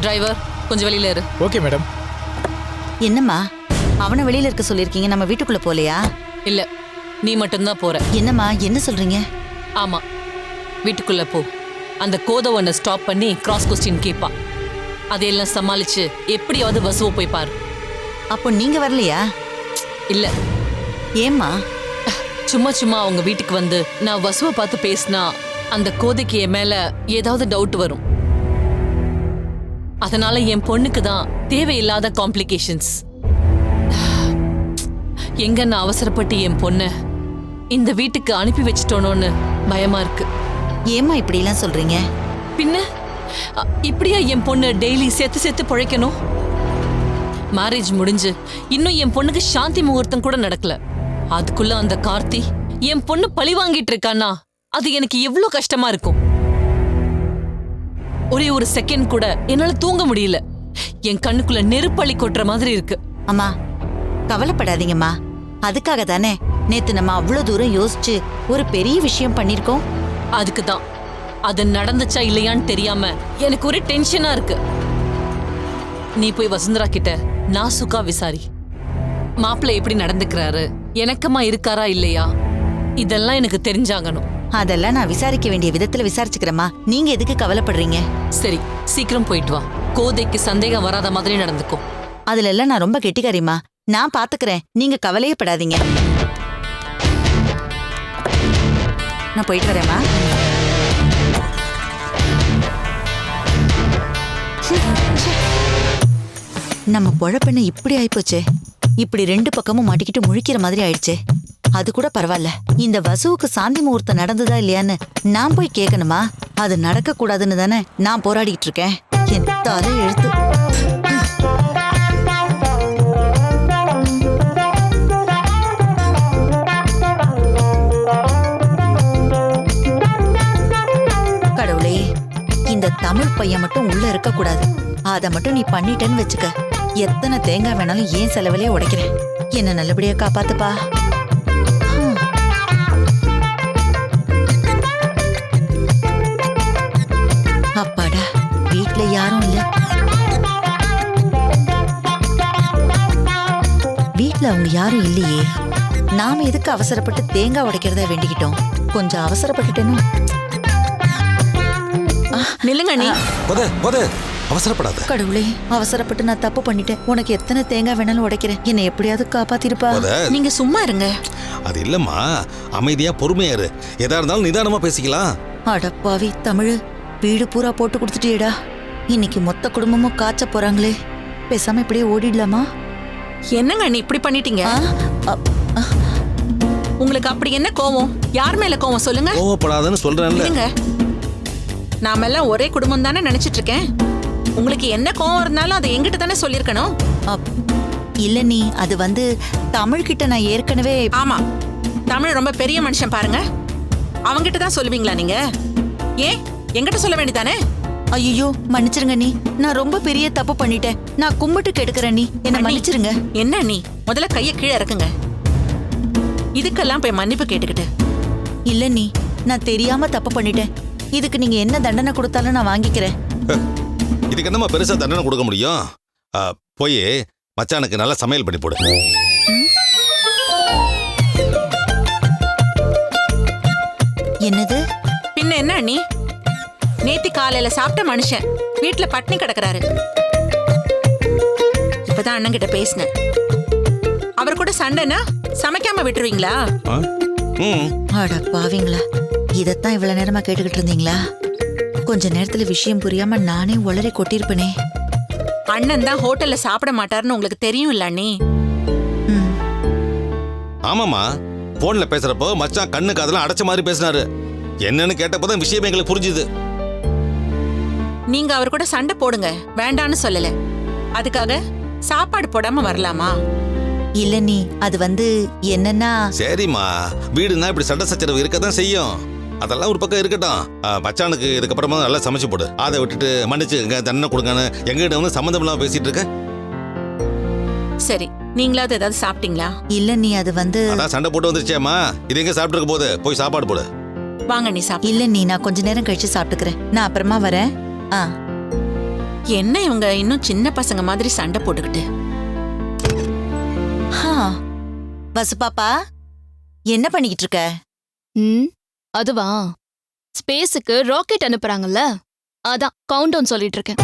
Driver கொஞ்சம் வெளியில இரு. Okay madam. என்னம்மா அவனை வெளியில இருக்க சொல்லிருக்கீங்க, நம்ம வீட்டுக்குள்ள போலையா? இல்ல, நீ மட்டும்தான் போற. என்னம்மா என்ன சொல்றீங்க? ஆமா, வீட்டுக்குள்ள போ. அந்த கோதவனை ஸ்டாப் பண்ணி கிராஸ் கொஸ்டின் கேட்பா. அதையெல்லாம் சமாளிச்சு எப்படியாவது வசுவை போய் பாரு. அப்போ நீங்க வரலையா? இல்ல, ஏம்மா? சும்மா சும்மா அவங்க வீட்டுக்கு வந்து நான் வசுவை பார்த்து பேசினா அந்த கோதைக்கு என் மேல ஏதாவது டவுட் வரும். அதனால என் பொண்ணுக்கு தான் தேவையில்லாத காம்ப்ளிகேஷன்ஸ். எங்க நான் அவசரப்பட்டு என் பொண்ண இந்த வீட்டுக்கு அனுப்பி வச்சிட்டோனோன்னு பயமா இருக்கு. ஏம்மா இப்படி எல்லாம் சொல்றீங்க? பின்ன இப்படியா என் பொண்ணு டெய்லி செத்து செத்து பிழைக்கணும்? மேரேஜ் முடிஞ்சு இன்னும் என் பொண்ணுக்கு சாந்தி முகூர்த்தம் கூட நடக்கல. அதுக்குள்ள அந்த கார்த்தி என் பொண்ணு பழி வாங்கிட்டு இருக்கானா அது எனக்கு எவ்வளவு கஷ்டமா இருக்கும். ஒரே ஒரு செகண்ட் கூட என்னால தூங்க முடியல. என் கண்ணுக்குள்ள நெருப்பள்ளி கொட்டுற மாதிரி இருக்கு. அம்மா கவலைப்படாதீங்கம்மா. அதுக்காக தானே நேத்து நம்ம அவ்வளவு தூரம் யோசிச்சு ஒரு பெரிய விஷயம் பண்ணிருக்கோம். அதுக்குதான் அது நடந்துச்சா இல்லையான்னு தெரியாம எனக்கு ஒரு டென்ஷனா இருக்கு. நீ போய் வசுந்தரா கிட்ட நாசுக்கா விசாரி. மாப்பிள்ளை எப்படி நடந்துக்கிறாரு, எனக்கமா இருக்காரா இல்லையா, இதெல்லாம் எனக்கு தெரிஞ்சாகணும். அதெல்லாம் நான் விசாரிக்க வேண்டிய விதத்துல விசாரிச்சுக்கிறேம்மா. நீங்க எதுக்கு கவலைப்படுறீங்க? சரி, சீக்கிரம் போயிட்டு வா. கோதைக்கு சந்தேகம் வராத மாதிரி நடந்துக்கும். அதுல எல்லாம் நான் ரொம்ப கெட்டிக்காரிம்மா. நான் பாத்துக்கிறேன், நீங்க கவலையே படாதீங்க. நான் போயிட்டு வரேம்மா. நம்ம பொழப்பெண்ண இப்படி ஆயிப்போச்சே. இப்படி ரெண்டு பக்கமும் மாட்டிக்கிட்டு முழிக்கிற மாதிரி ஆயிடுச்சே. அது கூட பரவாயில்ல. இந்த வசுவுக்கு சாந்தி முகூர்த்தம் நடந்ததா இல்லையான்னு நான் போய் கேட்கணுமா? அது நடக்க கூடாதுன்னு தானே நான் போராடிட்டு இருக்கேன். என் தலை எழுத்து. கடவுளே, இந்த தமிழ் பையன் மட்டும் உள்ள இருக்க கூடாது. அத மட்டும் நீ பண்ணிட்டேன்னு வச்சுக்க, எத்தனை தேங்காய் வேணாலும் ஏன் செலவிலே உடைக்கிறேன். என்ன நல்லபடியா காப்பாத்துப்பா. அப்பாடா, வீட்ல யாரும் இல்ல. வீட்ல அவங்க யாரும் இல்லையே. நாம எதுக்கு அவசரப்பட்டு தேங்காய் உடைக்கிறத வேண்டிக்கிட்டோம்? கொஞ்சம் அவசரப்பட்டுட்டேனோ. நில்லுங்க நீ. அவசரப்படாத. கடவுளே, அவசரப்பட்டு நான் தப்பு பண்ணிட்டேன். உனக்கு எத்தனை தேங்காய் வேணாலும் உடைக்கிறேன். என்னை எப்படியாவது காப்பாத்திருப்பா. நீங்க சும்மா இருங்க. அது இல்லம்மா, அமைதியா பொறுமையா இரு. எதா இருந்தாலும் நிதானமா பேசிக்கலாம். அடப்பாவி தமிழ், வீடு பூரா போட்டு கொடுத்துட்டியேடா. இன்னைக்கு மொத்த குடும்பமும் காய்ச்ச போறாங்களே. பேசாம இப்படியே ஓடிடலாமா? என்னங்க நீ இப்படி பண்ணிட்டீங்க? உங்களுக்கு அப்படி என்ன கோவம்? யார் மேல கோவம் சொல்லுங்க? கோவப்படாதன்னு சொல்றேன்ல. நாம எல்லாம் ஒரே குடும்பம் தானே நினைச்சிட்டு இருக்கேன். உங்களுக்கு என்ன கோவம் இருந்தாலும் அதை எங்கிட்ட தானே சொல்லிருக்கணும். இல்ல நீ, அது வந்து தமிழ் கிட்ட நான் ஏற்கனவே. ஆமா, தமிழ் ரொம்ப பெரிய மனுஷன் பாருங்க. அவங்கிட்ட தான் சொல்லுவீங்களா நீங்க? ஏன் எங்கிட்ட சொல்ல வேண்டியதானே? ஐயோ மன்னிச்சிருங்க நீ, நான் ரொம்ப பெரிய தப்பு பண்ணிட்டேன். நான் கும்பிட்டு கெடுக்கிறேன், நீ என்ன மன்னிச்சிருங்க. என்ன நீ முதல்ல கைய கீழே இறக்குங்க. இதுக்கெல்லாம் போய் மன்னிப்பு கேட்டுக்கிட்டு. இல்ல நீ, நான் தெரியாம தப்பு பண்ணிட்டேன். இதுக்கு நீங்க என்ன தண்டனை கொடுத்தாலும் நான் வாங்கிக்கிறேன். இதுக்கு என்னமா பெருசா தண்டனை கொடுக்க முடியும்? போய் மச்சானுக்கு நல்லா சமையல் பண்ணி போடு. என்னது? பின்ன என்ன நீ? நேத்தி காலையில சாப்பிட்ட மனுஷன் வீட்டுல பட்னி கிடக்குறாரு. இப்பதான் அண்ணன் கிட்ட பேசினேன். அவர் கூட சண்டைனா சமைக்காம விட்டுருவீங்களா? அட பாவீங்களா, இதத்தான் இவ்வளவு நேரமா கேட்டுக்கிட்டு இருந்தீங்களா? கொஞ்ச நேரத்துல விஷயம் புரியாம நானே உளறி கொட்டிருப்பனே. அண்ணன் தான் ஹோட்டல்ல சாப்பிட மாட்டாருன்னு உங்களுக்கு தெரியும் இல்ல அண்ணி? ஆமாமா, போன்ல பேசுறப்போ மச்சான் கண்ணுக்கு அதெல்லாம் அடைச்ச மாதிரி பேசினாரு. என்னன்னு கேட்டப்பதான் விஷயம் எங்களுக்கு புரிஞ்சுது. நீங்க அவர் கூட சண்டை போடுங்க, வேண்டான்னு சொல்லல. அதுக்காக சாப்பாடு போடாம வரலாமா? இல்ல நீ, அது வந்து என்னன்னா. சரிம்மா, வீடுனா இப்படி சண்டை சச்சரவு இருக்கதான் செய்யும். அதெல்லாம் ஒரு பக்கம் இருக்கட்டும். மச்சானுக்கு இதுக்கப்புறமா நல்லா சமைச்சு போடு. அதை விட்டுட்டு மன்னிச்சு தண்டனை கொடுங்கன்னு எங்ககிட்ட வந்து சம்மந்தம் இல்லாம பேசிட்டு இருக்க. சரி, நீங்களாவது ஏதாவது சாப்பிட்டீங்களா? இல்ல நீ, அது வந்து. அதான் சண்டை போட்டு வந்துருச்சேம்மா, இது எங்க சாப்பிட்டு இருக்க போது, போய் சாப்பாடு போடு. வாங்க நீ சாப்பிடு. இல்ல நீ, நான் கொஞ்ச நேரம் கழிச்சு சாப்பிட்டுக்கிறேன். நான் அப்புறமா வரேன். என்ன இவங்க இன்னும் சின்ன பசங்க மாதிரி சண்டை போட்டுக்கிட்டு? ஹா. வசு பாப்பா என்ன பண்ணிக்கிட்டு இருக்க? ம் அதுவா ஸ்பேஸுக்கு ராக்கெட் அனுப்புறாங்கல்ல, அதான் கவுண்ட் டவுன் சொல்லிட்டு இருக்கேன்.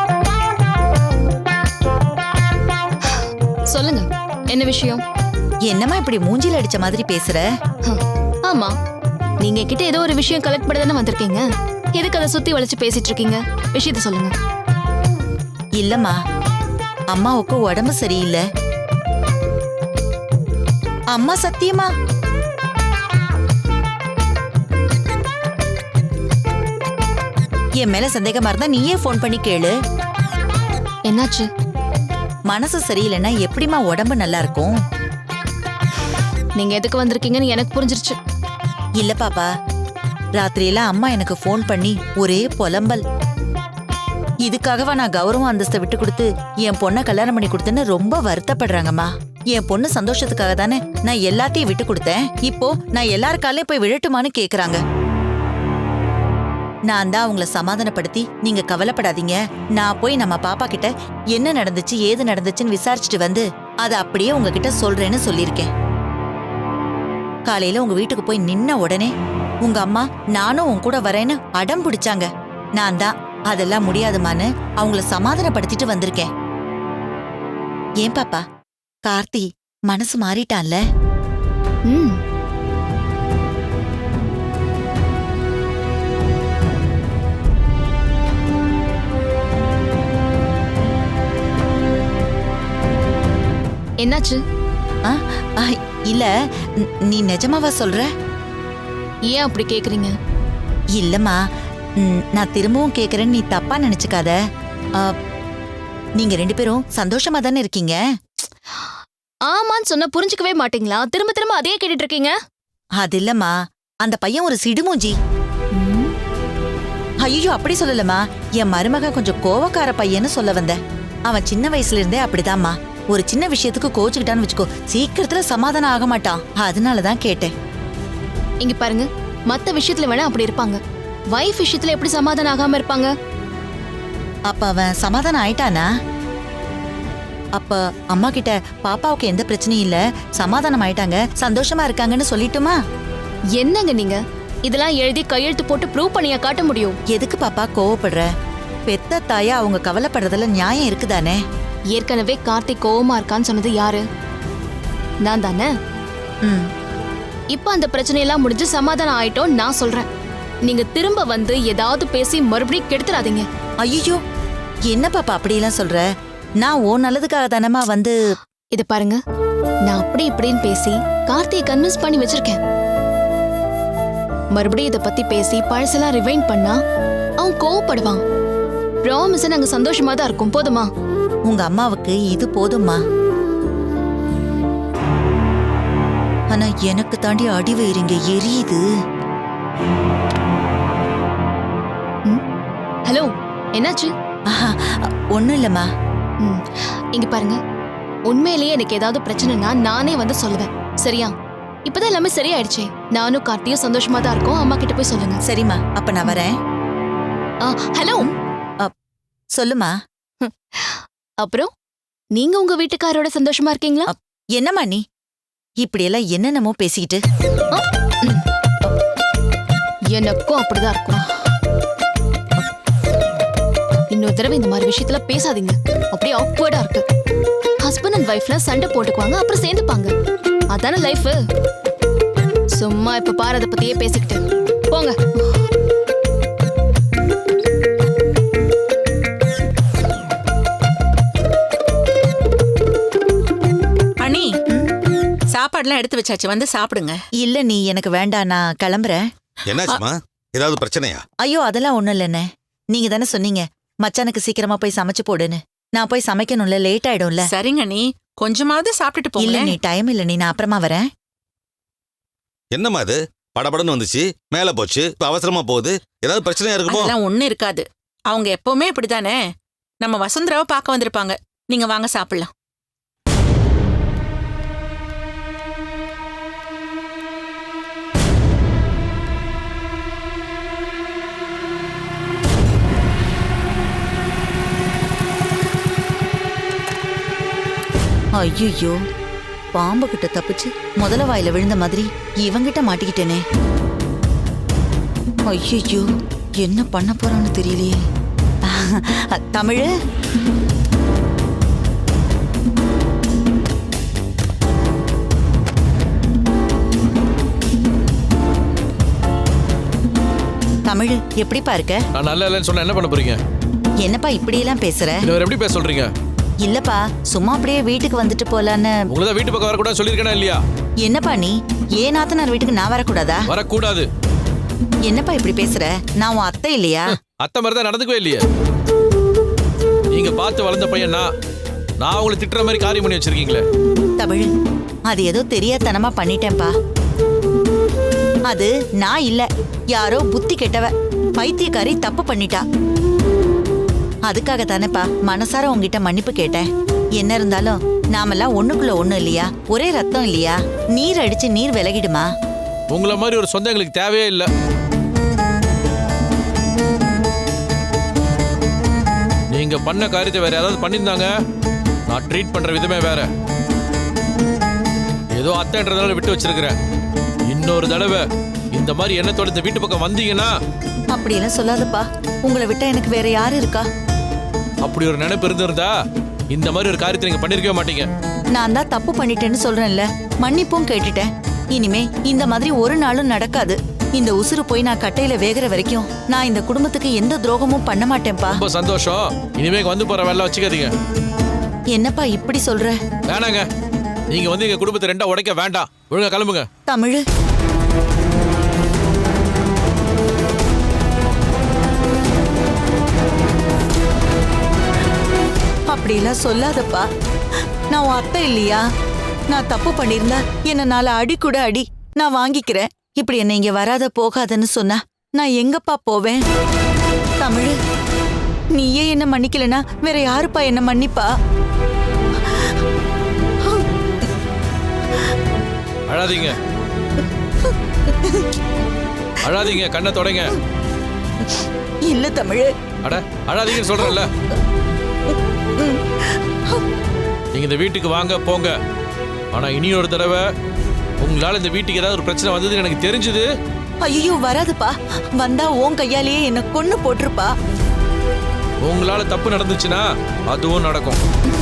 சொல்லுங்க, என்ன விஷயம்? என்னம்மா இப்படி மூஞ்சில அடிச்ச மாதிரி பேசுற? ஆமா, நீங்க கிட்ட ஏதோ ஒரு விஷயம் கலெக்ட் பண்ண தானே வந்திருக்கீங்க. எதுக்கு அதை சுத்தி வளைச்சு பேசிட்டு இருக்கீங்க? விஷயத்த சொல்லுங்க. இல்லம்மா, அம்மாவுக்கு உடம்பு சரியில்லை. அம்மா சத்தியமா என் மேல சந்தேகமா இருந்தா நீயே ஃபோன் பண்ணி கேளு. என்னாச்சு? மனசு சரியில்லைன்னா எப்படிம்மா உடம்பு நல்லா இருக்கும்? நீங்க எதுக்கு வந்திருக்கீங்கன்னு எனக்கு புரிஞ்சிருச்சு. இல்ல பாப்பா, ராத்திரியெல்லாம் அம்மா எனக்கு ஃபோன் பண்ணி ஒரே புலம்பல். இதுக்காகவா நான் கௌரவம் அந்தஸ்தை விட்டு கொடுத்து என் பொண்ணை கல்யாணம் பண்ணி கொடுத்தேன்னு ரொம்ப வருத்தப்படுறாங்கம்மா. என் பொண்ணு சந்தோஷத்துக்காக தானே நான் எல்லாத்தையும் விட்டு கொடுத்தேன். இப்போ நான் எல்லாருக்காலையும் போய் விழட்டுமான்னு கேக்குறாங்க. நான் தான் அவங்கள சமாதானப்படுத்தி, நீங்க கவலைப்படாதீங்க, நான் போய் நம்ம பாப்பா கிட்ட என்ன நடந்துச்சு ஏது நடந்துச்சுன்னு விசாரிச்சுட்டு வந்து அதை அப்படியே உங்ககிட்ட சொல்றேன்னு சொல்லியிருக்கேன். காலையில உங்க வீட்டுக்கு போய் நின்ன உடனே உங்க அம்மா நானும் உன் கூட வரேன்னு அடம் பிடிச்சாங்க. நான் தான் அதெல்லாம் முடியாதுமான்னு அவங்கள சமாதானப்படுத்திட்டு வந்திருக்கேன். ஏன் பாப்பா, கார்த்தி மனசு மாறிட்டான்ல? ம் என்னாச்சு? ஆ, ஆ, இல்ல, நீ நிஜமாவா சொல்ற? ஏன் அப்படி கேக்குறீங்க? இல்லம்மா, நான் திரும்பவும் கேக்குறேன்னு நீ தப்பா நினைச்சுக்காத. ஆ, நீங்க ரெண்டு பேரும் சந்தோஷமா தானே இருக்கீங்க? ஆமான்னு சொன்னா புரிஞ்சுக்கவே மாட்டீங்களா? திரும்ப திரும்ப அதே கேட்டுட்டு இருக்கீங்க. அது இல்லம்மா, அந்த பையன் ஒரு சிடுமூஞ்சி. ம், ஐயோ, அப்படி சொல்லலம்மா. என் மருமக கொஞ்சம் கோவக்கார பையன்னு சொல்ல வந்த. அவன் சின்ன வயசுல இருந்தே அப்படிதாம்மா. ஒரு சின்ன விஷயத்துக்கு கோச்சுக்கிட்டான்னு வச்சுக்கோ, சீக்கிரத்துல சமாதானம் ஆக மாட்டான். அதனாலதான் கேட்டேன். இங்க பாருங்க, மத்த விஷயத்துல வேணா அப்படி இருப்பாங்க, வைஃப் விஷயத்துல எப்படி சமாதானம் ஆகாம இருப்பாங்க? அப்ப அவன் சமாதானம் ஆயிட்டானா? அப்ப அம்மா கிட்ட பாப்பாவுக்கு எந்த பிரச்சனையும் இல்ல, சமாதானம் ஆயிட்டாங்க, சந்தோஷமா இருக்காங்கன்னு சொல்லிட்டுமா? என்னங்க நீங்க இதெல்லாம் எழுதி கையெழுத்து போட்டு ப்ரூவ் பண்ணியா காட்ட முடியும்? எதுக்கு பாப்பா கோவப்படுற? பெத்த தாயா அவங்க கவலைப்படுறதுல நியாயம் இருக்குதானே? ஏற்கனவே கார்த்திக் கோவமா இருக்கான்னு சொன்னது யாரு? நான் தானே. ம். இப்ப அந்த பிரச்சனையெல்லாம் முடிஞ்சு சமாதானம் ஆயிட்டோம் நான் சொல்றேன். நீங்க திரும்ப வந்து ஏதாவது பேசி மறுபடியும் கெடுத்துறாதீங்க. ஐயோ, என்ன பாப்பா அப்படியெல்லாம் சொல்ற? நான் ஓ நல்லதுக்காக தானமா வந்து. இத பாருங்க, நான் அப்படி இப்படின்னு பேசி கார்த்தியை கன்வின்ஸ் பண்ணி வச்சிருக்கேன். மறுபடியும் இத பத்தி பேசி பழசெல்லாம் ரிவைண்ட் பண்ணா அவன் கோவப்படுவான். ப்ராமிஸ், நாங்க சந்தோஷமா தான் இருக்கும். போதுமா? உங்க அம்மாவுக்கு இது போதும்மா. ஆனா எனக்கு தாண்டி அடிவயிறுங்க எரியுது. ஹலோ, என்னாச்சு? ஆஹா, ஒண்ணும் இல்லம்மா. ம், இங்க பாருங்க, உண்மையிலேயே எனக்கு ஏதாவது பிரச்சனைனா நானே வந்து சொல்லுவேன், சரியா? இப்பதான் எல்லாமே சரியாயிடுச்சே. நானும் கார்த்தியும் சந்தோஷமா தான் இருக்கோம். அம்மா கிட்ட போய் சொல்லுங்க. சரிம்மா, அப்ப நான் வரேன். ஹலோ, சொல்லுமா. அப்புறம் நீங்க உங்க வீட்டுக்காரோட சந்தோஷமா இருக்கீங்களா? என்னம்மா நீ இப்படியெல்லாம் என்னென்னமோ பேசிக்கிட்டு? எனக்கும் அப்படிதான் இருக்கும். இன்னொரு தடவை இந்த மாதிரி விஷயத்துல பேசாதீங்க. அப்படியே ஆக்வர்டா இருக்கு. ஹஸ்பண்ட் அண்ட் வைஃப்ல சண்டை போட்டுக்குவாங்க, அப்புறம் சேர்ந்துப்பாங்க. அதான லைஃப். சும்மா இப்ப பாரு அதை பத்தியே பேசிக்கிட்டு போங்க. அண்ணி, சாப்பாடுலாம் எடுத்து வச்சாச்சு, வந்து சாப்பிடுங்க. இல்ல, நீ எனக்கு வேண்டாம், நான் கிளம்புறேன். என்னாச்சுமா? ஏதாவது பிரச்சனையா? ஐயோ, அதெல்லாம் ஒண்ணும் இல்லைண்ணே. நீங்க தானே சொன்னீங்க மச்சானுக்கு சீக்கிரமா போய் சமைச்சு போடுன்னு. நான் போய் சமைக்கணும்ல, லேட் ஆயிடும்ல. சரிங்க நீ, கொஞ்சமாவது சாப்பிட்டுட்டு இல்ல போங்க. நீ, டைம் இல்ல நீ, நான் அப்புறமா வரேன். என்னம்மா அது? படபடன்னு வந்துச்சு, மேல போச்சு, இப்ப அவசரமா போகுது. ஏதாவது பிரச்சனையா இருக்குமோ? அதெல்லாம் ஒண்ணும் இருக்காது. அவங்க எப்பவுமே இப்படிதானே. நம்ம வசுந்தராவை பார்க்க வந்திருப்பாங்க. நீங்க வாங்க சாப்பிடலாம். ஐயோ, பாம்பு கிட்ட தப்பிச்சு முதல வாயில விழுந்த மாதிரி இவங்கிட்ட மாட்டிக்கிட்டேனே. ஐயோ, என்ன பண்ண போறான்னு தெரியலையே. தமிழு, தமிழ் எப்படிப்பா இருக்க? நான் நல்லா இல்லைன்னு சொன்னா என்ன பண்ண போறீங்க? என்னப்பா இப்படியெல்லாம் பேசுற? இவர் எப்படி பேச சொல்றீங்க? இல்லப்பா, சும்மா அப்படியே வீட்டுக்கு வந்துட்டு போலான்னு. உங்களை தான் வீட்டு பக்கம் வரக்கூடாது சொல்லியிருக்கேனா இல்லையா? என்னப்பா நீ, ஏன் நாத்தனார் வீட்டுக்கு நான் வரக்கூடாதா? வரக்கூடாது. என்னப்பா இப்படி பேசுற? நான் உன் அத்தை இல்லையா? அத்தை மாதிரி தான் நடந்துக்கவே இல்லையே. நீங்க பார்த்து வளர்ந்த பையனா நான் உங்களை திட்டுற மாதிரி காரியம் பண்ணி வச்சிருக்கீங்களே. தமிழ், அது ஏதோ தெரியாதனமா பண்ணிட்டேன்பா. அது நான் இல்ல, யாரோ புத்தி கெட்டவ பைத்தியக்காரி தப்பு பண்ணிட்டா. அதுக்காக தானேப்பா மனசார உங்ககிட்ட மன்னிப்பு கேட்டேன். என்ன இருந்தாலும் நாமெல்லாம் ஒண்ணுக்குள்ள ஒண்ணு இல்லையா? ஒரே ரத்தம் இல்லையா? நீர் அடிச்சு நீர் விலகிடுமா? உங்களை மாதிரி ஒரு சொந்தம் எங்களுக்கு தேவையே இல்லை. நீங்க பண்ண காரியத்தை வேற யாராவது பண்ணியிருந்தாங்க, நான் ட்ரீட் பண்ற விதமே வேற. ஏதோ அத்தைன்றதால விட்டு வச்சிருக்கிறேன். இன்னொரு தடவை இந்த மாதிரி எண்ணத்தோட இந்த வீட்டு பக்கம் வந்தீங்கன்னா. அப்படியெல்லாம் சொல்லாதப்பா, உங்களை விட்டா எனக்கு வேற யாரு இருக்கா? அப்படி ஒரு நினைப்பு இருந்திருந்தா இந்த மாதிரி ஒரு காரியத்தை நீங்க பண்ணிருக்கவே மாட்டீங்க. நான் தான் தப்பு பண்ணிட்டேன்னு சொல்றேன்ல, மன்னிப்பும் கேட்டுட்டேன். இனிமே இந்த மாதிரி ஒரு நாளும் நடக்காது. இந்த உசுறு போய் நான் கட்டையில வேகிற வரைக்கும் நான் இந்த குடும்பத்துக்கு எந்த துரோகமும் பண்ண மாட்டேன்ப்பா. ரொம்ப சந்தோஷம். இனிமே வந்து போற வேலை வச்சுக்காதீங்க. என்னப்பா இப்படி சொல்ற? வேணாங்க, நீங்க வந்து எங்க குடும்பத்தை ரெண்டா உடைக்க வேண்டாம். ஒழுங்கா கிளம்புங்க. தமிழ், அப்படிலாம் சொல்லாதப்பா. நான் உன் அத்தை இல்லையா? நான் தப்பு பண்ணிருந்தா என்ன நாளை அடி கூட அடி, நான் வாங்கிக்கிறேன். இப்படி என்ன இங்க வராத போகாதன்னு சொன்னா நான் எங்கப்பா போவேன்? தமிழ், நீயே என்ன மன்னிக்கலனா வேற யாருப்பா என்ன மன்னிப்பா? அழாதீங்க, அழாதீங்க, கண்ணை தொடங்க. இல்ல தமிழ். அட அழாதீங்கன்னு சொல்றேன்ல. நீங்க இந்த வீட்டுக்கு வாங்க போங்க. ஆனா இனி ஒரு தடவை உங்களால இந்த வீட்டுக்கு ஏதாவது ஒரு பிரச்சனை வந்ததுன்னு எனக்கு தெரிஞ்சது. ஐயோ, வராதுப்பா. வந்தா உன் கையாலேயே என்ன கொன்னு போட்டிருப்பா. உங்களால தப்பு நடந்துச்சுன்னா அதுவும் நடக்கும்.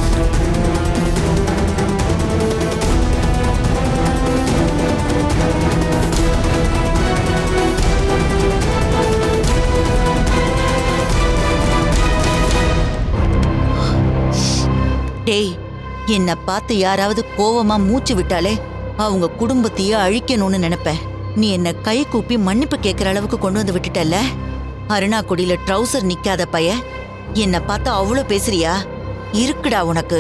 டேய், என்ன பார்த்து யாராவது கோவமா மூச்சு விட்டாலே அவங்க குடும்பத்தையே அழிக்கணும்னு நினைப்பேன். நீ என்ன கை கூப்பி மன்னிப்பு கேட்கற அளவுக்கு கொண்டு வந்து விட்டுட்டல்ல. அருணாக்குடியில ட்ரௌசர் நிக்காத பைய என்ன பார்த்து அவ்வளவு பேசுறியா? இருக்குடா உனக்கு.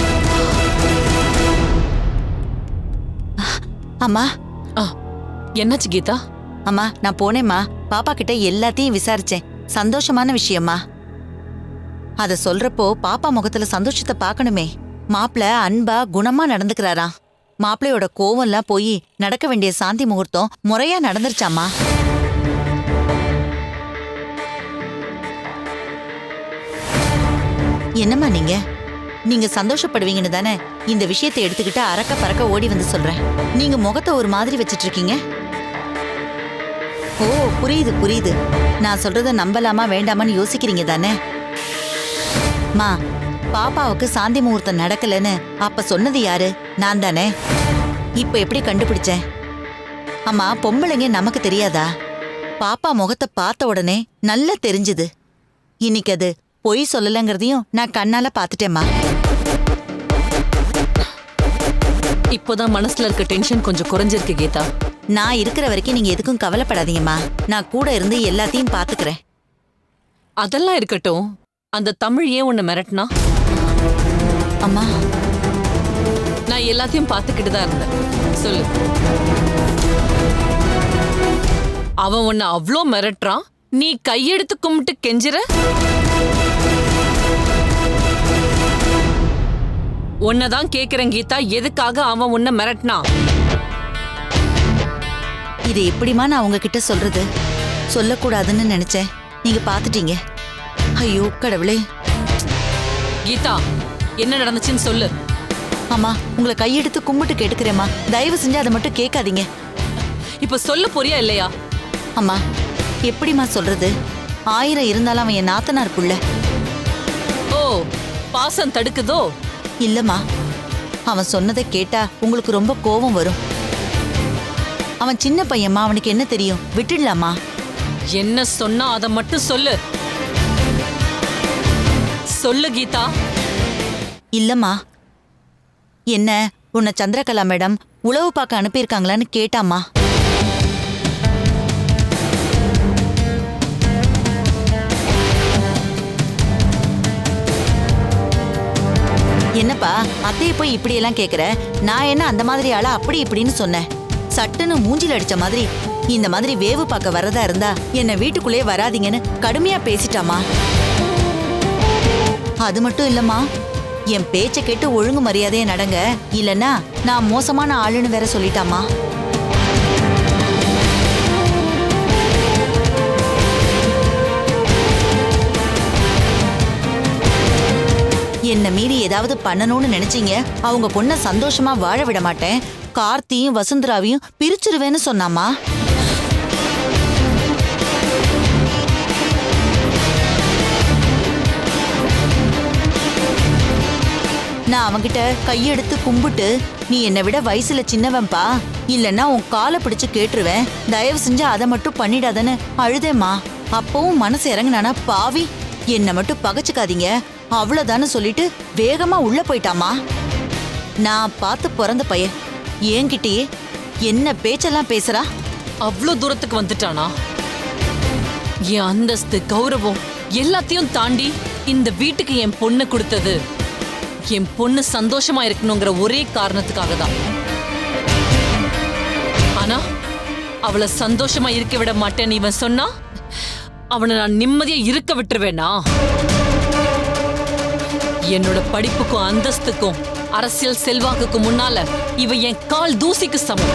அம்மா. என்னாச்சு கீதா? அம்மா, நான் போனேம்மா. பாப்பா கிட்ட எல்லாத்தையும் விசாரிச்சேன். சந்தோஷமான விஷயம்மா. அத சொல்றப்போ பாப்பா முகத்துல சந்தோஷத்தை பார்க்கணுமே. மாப்பிள அன்பா குணமா நடந்துக்கிறாராம். மாப்பிளையோட கோவம்லாம் போய் நடக்க வேண்டிய சாந்தி முகூர்த்தம் முறையா நடந்துருச்சாமா. என்னம்மா நீங்க சந்தோஷப்படுவீங்கன்னு தானே இந்த விஷயத்தை எடுத்துக்கிட்டு அரக்க பறக்க ஓடி வந்து சொல்றேன். நீங்க முகத்தை ஒரு மாதிரி வச்சிட்டு இருக்கீங்க. ஓ, புரியுது புரியுது. நான் சொல்றத நம்பலாமா வேண்டாமான்னு யோசிக்கிறீங்க தானே. மா, பாப்பாவுக்கு சாந்தி முகூர்த்தம் நடக்கலன்னு அப்ப சொன்னது யாரு? நான் தானே. இப்ப எப்படி கண்டுபிடிச்சேன்? அம்மா, பொம்பளைங்க நமக்கு தெரியாதா? பாப்பா முகத்தை பார்த்த உடனே நல்லா தெரிஞ்சுது. இன்னைக்கு அது பொய் சொல்லலங்கிறதையும் நான் கண்ணால பாத்துட்டேம்மா. இப்போதான் மனசுல இருக்க டென்ஷன் கொஞ்சம் குறைஞ்சிருக்கு கீதா. நான் இருக்கிற வரைக்கும் நீங்க எதுக்கும் கவலைப்படாதீங்கம்மா. நான் கூட இருந்து எல்லாத்தையும் பாத்துக்கிறேன். அதெல்லாம் இருக்கட்டும். அந்த தமிழ் ஏன் உன்னை மிரட்டினா? அம்மா, நான் எல்லாத்தையும் பார்த்துக்கிட்டு தான் இருந்தேன். சொல்லு. அவன் உன்னை அவ்வளோ மிரட்டுறான், நீ கையெடுத்து கும்பிட்டு கெஞ்சுற? உன்னதான் கேக்குறேன் கீதா, எதுக்காக அவன் உன்னை மிரட்டினா? இது எப்படிமா நான் உங்ககிட்ட சொல்றது? சொல்லக்கூடாதுன்னு நினைச்சேன். நீங்க பாத்துட்டீங்க. ஐயோ கடவுளே. கீதா, என்ன நடந்துச்சுன்னு சொல்லு. அம்மா உங்களை கையெடுத்து கும்பிட்டு கேட்டுக்கிறேம்மா, தயவு செஞ்சு அதை மட்டும் கேட்காதீங்க. இப்ப சொல்ல போறியா இல்லையா? அம்மா எப்படிம்மா சொல்றது? 1000 இருந்தாலும் அவன் என் நாத்தனார் புள்ள. ஓ, பாசம் தடுக்குதோ? இல்லம்மா, அவன் சொன்னதை கேட்டா உங்களுக்கு ரொம்ப கோபம் வரும். அவன் சின்ன பையன்மா, அவனுக்கு என்ன தெரியும்? விட்டுடலாமா? என்ன சொன்னா அதை மட்டும் சொல்லு. சொல்லு கீதா. இல்லம்மா, என்ன உன்னை சந்திரகலா மேடம் உளவு பார்க்க அனுப்பியிருக்காங்களான்னு கேட்டாம்மா. என்னப்பா அத்தையை போய் இப்படியெல்லாம் கேட்குற? நான் என்ன அந்த மாதிரி ஆளா அப்படி இப்படின்னு சொன்னேன். சட்டுன்னு மூஞ்சில அடிச்ச மாதிரி இந்த மாதிரி வேவு பார்க்க வரதா இருந்தா என்னை வீட்டுக்குள்ளே வராதீங்கன்னு கடுமையா பேசிட்டாமா. அது மட்டும் இல்லம்மா, என் பேச்சை கேட்டு ஒழுங்கு மரியாதையா நடங்க, இல்லைன்னா நான் மோசமான ஆளுன்னு வேற சொல்லிட்டாமா. என்ன மீறி ஏதாவது பண்ணணும்னு நினைச்சீங்க, அவங்க பொண்ணை சந்தோஷமா வாழ விட மாட்டேன், கார்த்தியும் வசுந்தராவையும் பிரிச்சிருவேன்னு சொன்னாமா. நான் அவங்கிட்ட கையெடுத்து கும்பிட்டு, நீ என்னை விட வயசுல சின்னவன்பா, இல்லைன்னா உன் காலை பிடிச்சு கேட்டுருவேன், தயவு செஞ்சு அதை மட்டும் பண்ணிடாதன்னு அழுதேம்மா. அப்பவும் மனசு இறங்குனானா பாவி, என்னை மட்டும் பகைச்சுக்காதீங்க அவ்வளவுதான்னு சொல்லிட்டு வேகமா உள்ள போயிட்டாமா. நான் பார்த்து பிறந்த பையன் என்கிட்டயே என்ன பேச்செல்லாம் பேசுறா? அவ்வளோ தூரத்துக்கு வந்துட்டானா? என் அந்தஸ்து கௌரவம் எல்லாத்தையும் தாண்டி இந்த வீட்டுக்கு என் பொண்ணு கொடுத்தது என் பொண்ணு சந்தோஷமா இருக்கணுங்கிற ஒரே காரணத்துக்காக தான். ஆனா அவளை சந்தோஷமா இருக்க விட மாட்டேன்னு இவன் சொன்னா அவனை நான் நிம்மதியா இருக்க விட்டுருவேனா? என்னோட படிப்புக்கும் அந்தஸ்துக்கும் அரசியல் செல்வாக்குக்கும் முன்னால இவ என் கால் தூசிக்கு சமம்.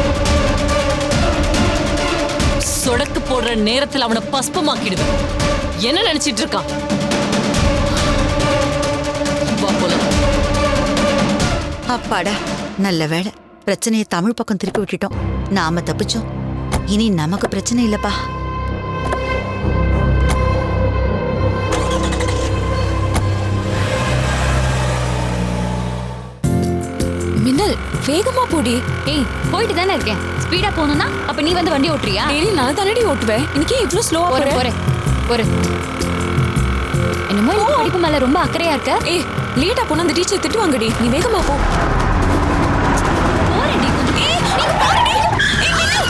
சொடக்கு போடுற நேரத்தில் அவனை பஸ்பமாக்கிடுவேன். என்ன நினைச்சிட்டு இருக்கான்? வா போலாம். அப்பாடா, நல்ல வேளை பிரச்சனையை தமிழ் பக்கம் திருப்பி விட்டுட்டோம். நாம தப்பிச்சோம். இனி நமக்கு பிரச்சனை இல்லப்பா. மின்னல் வேகமா போடி. ஏய் போயிட்டு தானே இருக்கேன். ஸ்பீடா போகணும்னா அப்ப நீ வந்து வண்டி ஓட்டுறியா? டெய்லி நான் தானடி ஓட்டுவேன். இன்னைக்கு இவ்ளோ ஸ்லோவா போறேன் போறேன். போறேன். என்னமோ இந்த படிப்பு மேல ரொம்ப அக்கறையா இருக்க. ஏய் லேட்டா போனா அந்த டீச்சர் திட்டுவாங்கடி. நீ வேகமா போ. போறேன்டி கொஞ்சம். ஏய் நீ போறடி. ஏய் மின்னல்.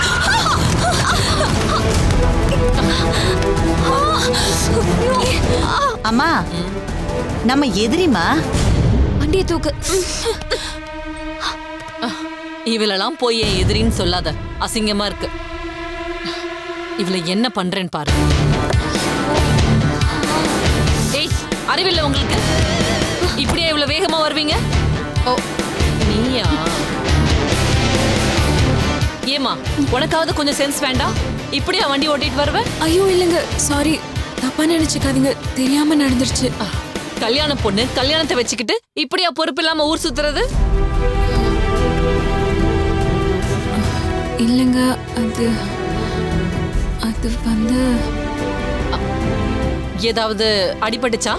அம்மா, நம்ம எதிரிமா. வண்டியை தூக்கு. இவளெல்லாம் போய் என் எதிரின்னு சொல்லாத, அசிங்கமா இருக்கு. இவளை என்ன பண்றேன்னு பாரு. ஏய் அறிவில்லை உங்களுக்கு? இப்படியே இவ்வளவு வேகமா வருவீங்க? ஓ நீயா? ஏமா உனக்காவது கொஞ்சம் சென்ஸ் வேண்டாம்? இப்படியா வண்டி ஓட்டிட்டு வருவ? ஐயோ இல்லங்க, சாரி, தப்பா நினைச்சுக்காதீங்க, தெரியாம நடந்துருச்சு. கல்யாண பொண்ணு கல்யாணத்தை வச்சுக்கிட்டு இப்படியா பொறுப்பு இல்லாம ஊர் சுத்துறது? இல்லங்க, அது வந்து ஏதாவது அடிபட்டுச்சா?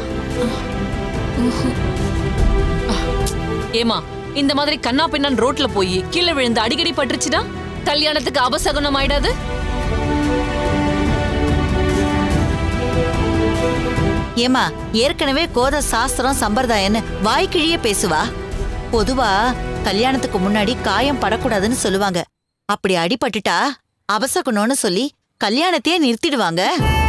ஏமா இந்த மாதிரி கண்ணா பின்னான் ரோட்ல போய் கீழே விழுந்து அடிக்கடி பட்டுருச்சுன்னா கல்யாணத்துக்கு அபசகுனம் ஆயிடாது? ஏமா ஏற்கனவே கோத சாஸ்திரம் சம்பிரதாயன்னு வாய்க்கிழியே பேசுவா. பொதுவா கல்யாணத்துக்கு முன்னாடி காயம் படக்கூடாதுன்னு சொல்லுவாங்க. அப்படி அடிபட்டுட்டா அபசகுணம்னு சொல்லி கல்யாணத்தையே நிறுத்திடுவாங்க.